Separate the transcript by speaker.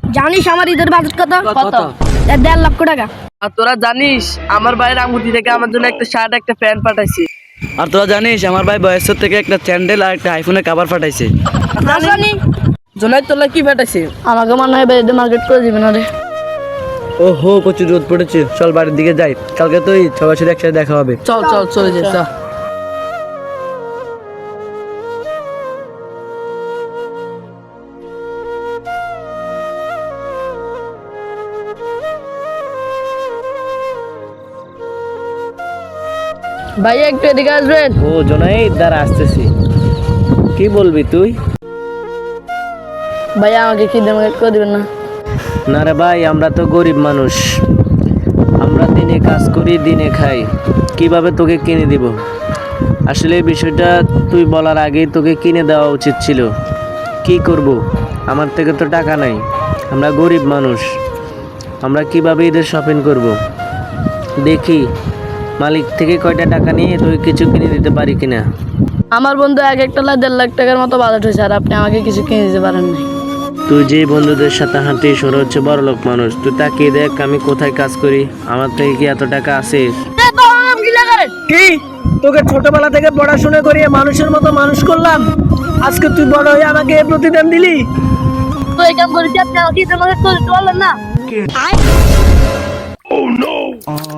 Speaker 1: জানিস আমার ঈদের বাজেট কত?
Speaker 2: কত?
Speaker 1: 1.5 লক্ষ টাকা।
Speaker 2: আর তোরা জানিস আমার ভাইয়ের আঙ্গুটি থেকে আমার জন্য একটা শার্ট একটা প্যান্ট পাঠাইছে।
Speaker 3: আর তোরা জানিস আমার ভাই বয়সের থেকে একটা স্যান্ডেল আর একটা আইফোনের কভার পাঠাইছে।
Speaker 1: জানি
Speaker 2: জোনাই তোলা কি পাঠাইছে?
Speaker 1: আমাকে মনে হয় বেড়ে মার্কেট করে দিবেন আরে।
Speaker 3: ও হো প্রচুর রোদ পড়েছে, চল বাড়ির দিকে যাই, কালকে তো ঈদ, সবার সাথে একসাথে দেখা হবে।
Speaker 2: চল চল চলে যাই চল।
Speaker 1: ভাইয়া একটু এদিকে আসবেন।
Speaker 3: ও জোনাই দ্বারা আসতেছি, কি বলবি তুই?
Speaker 1: ভাইয়া আমাকে কি মার্কেট করে দিবেন না?
Speaker 3: না রে ভাই, আমরা তো গরিব মানুষ, আমরা দিনে কাজ করি দিনে খাই, কিভাবে তোকে কিনে দিব? আসলে এই বিষয়টা তুই বলার আগেই তোকে কিনে দেওয়া উচিত ছিল। কি করব, আমার থেকে তো টাকা নাই, আমরা গরিব মানুষ, আমরা কিভাবে ঈদের শপিং করব? দেখি মালিক থেকে কয়টা টাকা নিয়ে তুই কিছু কিনে দিতে পারি কিনা।
Speaker 1: আমার বন্ধু এক একটা 1.5 লাখ টাকার মতো বাজেট হয়েছে আর আপনি আমাকে কিছু কিনে দিতে পারেন নাই।
Speaker 3: তুই যে বন্ধুদের সাথে হাঁটিস ওরা হচ্ছে বড়লোক মানুষ, তুই তাকিয়ে দেখ আমি কোথায় কাজ করি, আমার থেকে কি এত টাকা আছে?
Speaker 2: কি তোকে ছোটবেলা থেকে পড়াশোনা করিয়ে মানুষের মতো মানুষ করলাম, আজকে তুই বড় হয়ে আমাকে এই প্রতিদান দিলি?
Speaker 1: তো এই কাম করেছি আপনি আমাকে ঈদের মার্কেট করে দিতে পারলেন না?